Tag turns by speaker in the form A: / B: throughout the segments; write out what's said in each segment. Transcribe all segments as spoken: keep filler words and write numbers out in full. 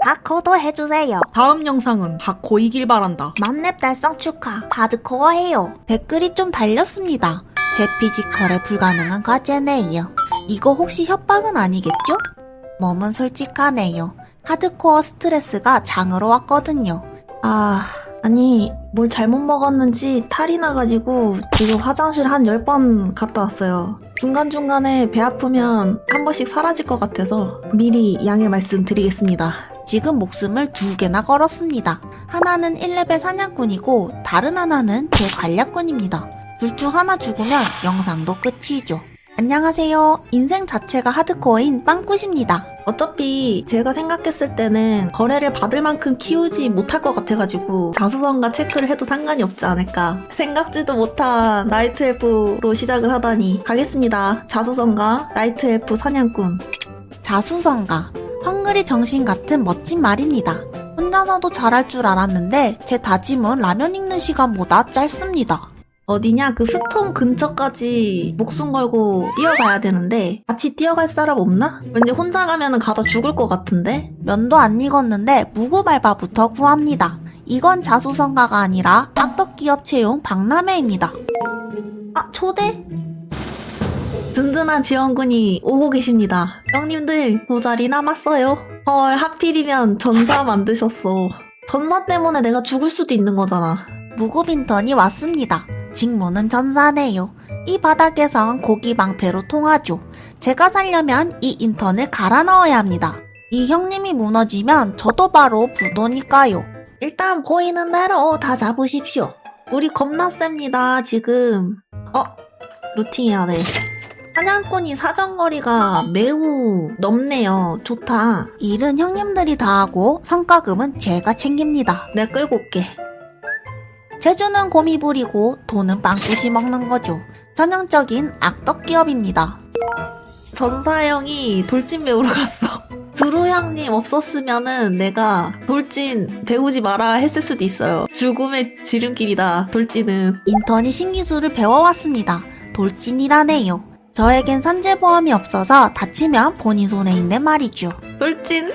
A: 하코도 해주세요.
B: 다음 영상은 하코 이길 바란다.
A: 만렙 달성 축하. 하드코어 해요. 댓글이 좀 달렸습니다. 제 피지컬에 불가능한 과제네요. 이거 혹시 협박은 아니겠죠? 몸은 솔직하네요. 하드코어 스트레스가 장으로 왔거든요.
C: 아, 아니 뭘 잘못 먹었는지 탈이 나가지고 지금 화장실 한 열 번 갔다 왔어요. 중간중간에 배 아프면 한 번씩 사라질 것 같아서 미리 양해 말씀드리겠습니다.
A: 지금 목숨을 두 개나 걸었습니다. 하나는 일 레벨 사냥꾼이고 다른 하나는 제 관략꾼입니다. 둘 중 하나 죽으면 영상도 끝이죠. 안녕하세요. 인생 자체가 하드코어인 빵굿입니다.
C: 어차피 제가 생각했을 때는 거래를 받을 만큼 키우지 못할 것 같아가지고 자수성가 체크를 해도 상관이 없지 않을까. 생각지도 못한 나이트 엘프로 시작을 하다니. 가겠습니다. 자수성가 나이트 엘프 사냥꾼.
A: 자수성가. 헝그리 정신 같은 멋진 말입니다. 혼자서도 잘할 줄 알았는데 제 다짐은 라면 익는 시간보다 짧습니다.
C: 어디냐? 그 스톰 근처까지 목숨 걸고 뛰어가야 되는데 같이 뛰어갈 사람 없나? 왠지 혼자 가면은 가다 죽을 것 같은데?
A: 면도 안 익었는데 무구발바부터 구합니다. 이건 자수성가가 아니라 악덕기업 채용 박람회입니다.
C: 아, 초대? 든든한 지원군이 오고 계십니다. 형님들 모자리 남았어요. 헐, 하필이면 전사 만드셨어. 전사 때문에 내가 죽을 수도 있는 거잖아.
A: 무구빈턴이 왔습니다. 직무는 전사네요. 이 바닥에선 고기 방패로 통하죠. 제가 살려면 이 인턴을 갈아 넣어야 합니다. 이 형님이 무너지면 저도 바로 부도니까요.
C: 일단 보이는 대로 다 잡으십시오. 우리 겁나 셉니다, 지금. 어? 루팅해야 돼. 사냥꾼이 사정거리가 매우 넓네요. 좋다.
A: 일은 형님들이 다 하고 성과금은 제가 챙깁니다.
C: 내가 끌고 올게.
A: 재주는 곰이 부리고 돈은 빵꾸시 먹는 거죠. 전형적인 악덕기업입니다.
C: 전사 형이 돌진 배우러 갔어. 드루 형님 없었으면은 내가 돌진 배우지 마라 했을 수도 있어요. 죽음의 지름길이다, 돌진은.
A: 인턴이 신기술을 배워왔습니다. 돌진이라네요. 저에겐 산재보험이 없어서 다치면 본인 손에 있는 말이죠.
C: 돌진?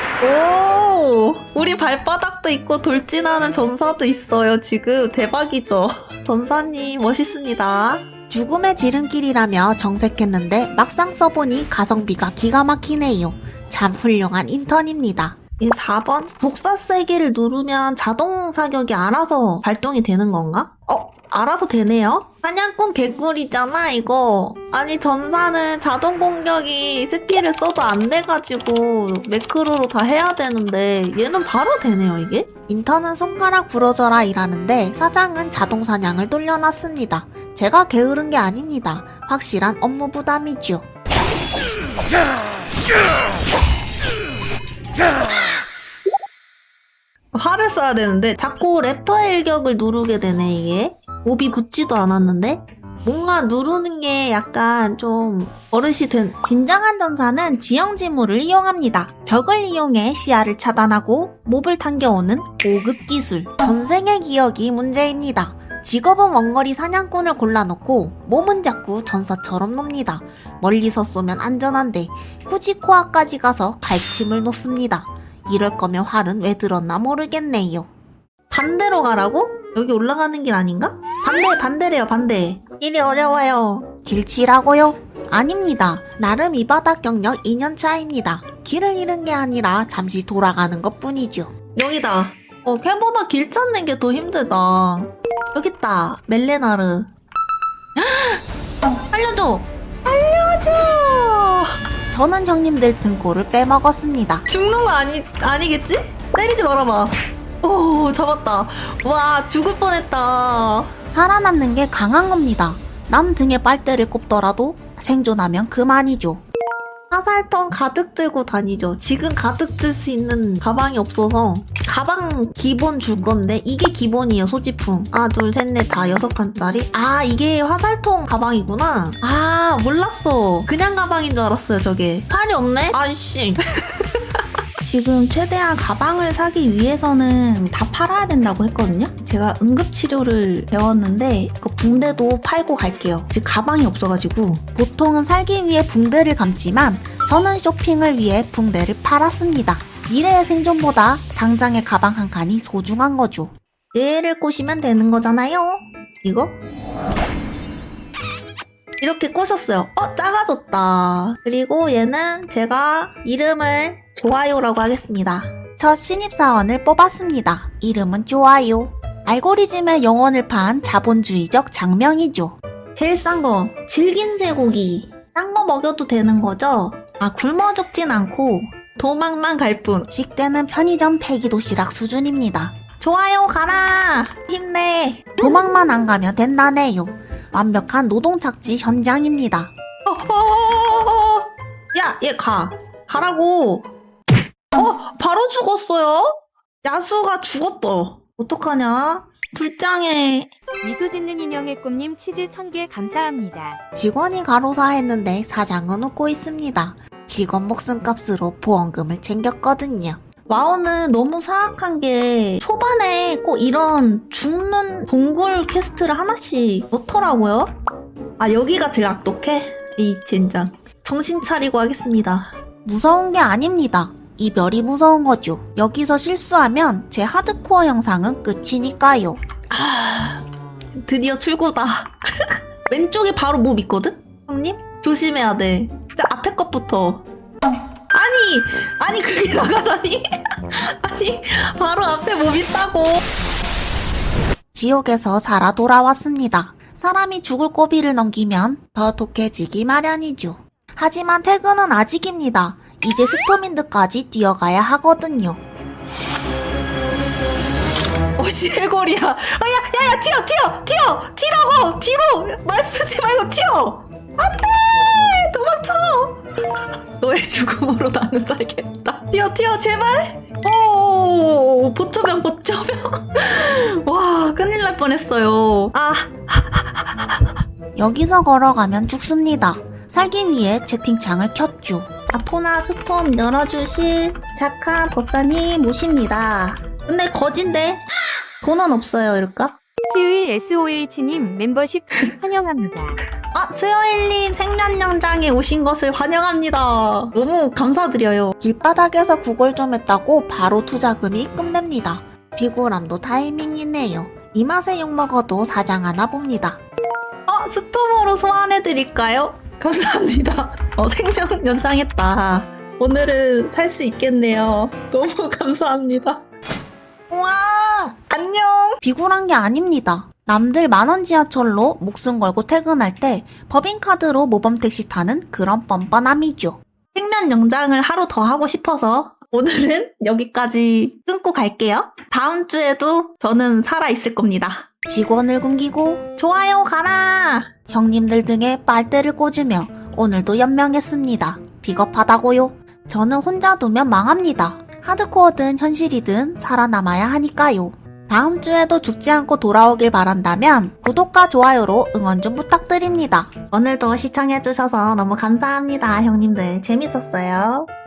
C: 오! 우리 발바닥도 있고 돌진하는 전사도 있어요, 지금. 대박이죠? 전사님, 멋있습니다.
A: 죽음의 지름길이라며 정색했는데 막상 써보니 가성비가 기가 막히네요. 참 훌륭한 인턴입니다.
C: 이 사 번? 복사 세기를 누르면 자동 사격이 알아서 발동이 되는 건가? 어? 알아서 되네요? 사냥꾼 개꿀이잖아, 이거. 아니, 전사는 자동 공격이 스킬을 써도 안 돼가지고 매크로로 다 해야 되는데 얘는 바로 되네요, 이게?
A: 인턴은 손가락 부러져라 일하는데 사장은 자동 사냥을 돌려놨습니다. 제가 게으른 게 아닙니다. 확실한 업무 부담이죠.
C: 활을 써야 되는데 자꾸 랩터 일격을 누르게 되네, 이게. 몹이 붙지도 않았는데? 뭔가 누르는 게 약간 좀 버릇이 된.
A: 진정한 전사는 지형지물을 이용합니다. 벽을 이용해 시야를 차단하고 몹을 당겨오는 고급 기술. 전생의 기억이 문제입니다. 직업은 원거리 사냥꾼을 골라놓고 몸은 자꾸 전사처럼 놉니다. 멀리서 쏘면 안전한데 굳이 코앞까지 가서 갈침을 놓습니다. 이럴 거면 활은 왜 들었나 모르겠네요.
C: 반대로 가라고? 여기 올라가는 길 아닌가? 반대, 반대래요, 반대. 일이 어려워요.
A: 길치라고요? 아닙니다. 나름 이 바닥 경력 이 년 차입니다. 길을 잃은 게 아니라 잠시 돌아가는 것 뿐이죠.
C: 여기다. 어, 걔보다 길 찾는 게 더 힘들다. 여깄다. 멜레나르. 알려줘! 알려줘!
A: 저는 형님들 등골을 빼먹었습니다.
C: 죽는 거 아니, 아니겠지? 때리지 말아봐. 오, 잡았다. 와, 죽을 뻔했다.
A: 살아남는 게 강한 겁니다. 남 등에 빨대를 꼽더라도 생존하면 그만이죠.
C: 화살통 가득 들고 다니죠. 지금 가득 들 수 있는 가방이 없어서 가방 기본 줄 건데 이게 기본이에요, 소지품. 하나, 둘, 셋, 넷, 다 여섯 칸짜리. 아, 이게 화살통 가방이구나. 아, 몰랐어. 그냥 가방인 줄 알았어요, 저게. 팔이 없네? 아이씨. 지금 최대한 가방을 사기 위해서는 다 팔아야 된다고 했거든요. 제가 응급치료를 배웠는데 그 붕대도 팔고 갈게요. 지금 가방이 없어가지고.
A: 보통은 살기 위해 붕대를 감지만 저는 쇼핑을 위해 붕대를 팔았습니다. 미래의 생존보다 당장의 가방 한 칸이 소중한 거죠.
C: 얘를 꼬시면 되는 거잖아요. 이거? 이렇게 꼬셨어요. 어, 작아졌다. 그리고 얘는 제가 이름을 좋아요라고 하겠습니다.
A: 첫 신입사원을 뽑았습니다. 이름은 좋아요. 알고리즘의 영혼을 판 자본주의적 장명이죠.
C: 제일 싼 거, 질긴 쇠고기. 싼 거 먹여도 되는 거죠? 아, 굶어 죽진 않고 도망만 갈 뿐.
A: 식대는 편의점 폐기도시락 수준입니다.
C: 좋아요, 가라! 힘내!
A: 도망만 안 가면 된다네요. 완벽한 노동착지 현장입니다.
C: 어, 어, 어, 어. 야, 얘 가. 가라고. 어, 바로 죽었어요? 야수가 죽었어. 어떡하냐? 불쌍해.
D: 미소 짓는 인형의 꿈님 치즈 천 개 감사합니다.
A: 직원이 가로사했는데 사장은 웃고 있습니다. 직원 목숨값으로 보험금을 챙겼거든요.
C: 와우는 너무 사악한 게 초반에 꼭 이런 죽는 동굴 퀘스트를 하나씩 넣더라고요. 아, 여기가 제일 악독해? 이 젠장. 정신 차리고 하겠습니다.
A: 무서운 게 아닙니다. 이별이 무서운 거죠. 여기서 실수하면 제 하드코어 영상은 끝이니까요.
C: 아, 드디어 출구다. 왼쪽에 바로 몹 있거든? 형님? 조심해야 돼. 진짜 앞에 것부터. 아니! 아니, 그게 나가다니? 아니, 바로 앞에 몹 있다고.
A: 지옥에서 살아 돌아왔습니다. 사람이 죽을 고비를 넘기면 더 독해지기 마련이죠. 하지만 퇴근은 아직입니다. 이제 스토민드까지 뛰어가야 하거든요.
C: 어, 시해골이야. 아, 야, 야, 야, 튀어, 튀어, 튀어! 튀라고! 뒤로! 말 쓰지 말고 튀어! 안 돼! 도망쳐! 너의 죽음으로 나는 살겠다. 튀어, 튀어, 제발! 오, 보초병, 보초병. 와, 큰일 날 뻔했어요. 아,
A: 여기서 걸어가면 죽습니다. 살기 위해 채팅창을 켰죠.
C: 아포나 스톰 열어주실 착한 법사님 모십니다. 근데 거진데? 돈은 없어요, 이럴까?
D: 수요일 에스오에이치님 멤버십 환영합니다.
C: 아, 수요일님 생면영장에 오신 것을 환영합니다. 너무 감사드려요.
A: 길바닥에서 구걸 좀 했다고 바로 투자금이 입금됩니다. 비굴함도 타이밍이네요. 이 맛에 욕먹어도 사장 하나 봅니다.
C: 어, 스톰으로 소환해드릴까요? 감사합니다. 어, 생명 연장했다. 오늘은 살 수 있겠네요. 너무 감사합니다. 우와, 안녕.
A: 비굴한 게 아닙니다. 남들 만원 지하철로 목숨 걸고 퇴근할 때 법인카드로 모범택시 타는 그런 뻔뻔함이죠.
C: 생면 연장을 하루 더 하고 싶어서 오늘은 여기까지 끊고 갈게요. 다음 주에도 저는 살아있을 겁니다.
A: 직원을 굶기고
C: 좋아요, 가라.
A: 형님들 등에 빨대를 꽂으며 오늘도 연명했습니다. 비겁하다고요? 저는 혼자 두면 망합니다. 하드코어든 현실이든 살아남아야 하니까요. 다음 주에도 죽지 않고 돌아오길 바란다면 구독과 좋아요로 응원 좀 부탁드립니다.
C: 오늘도 시청해주셔서 너무 감사합니다, 형님들. 재밌었어요.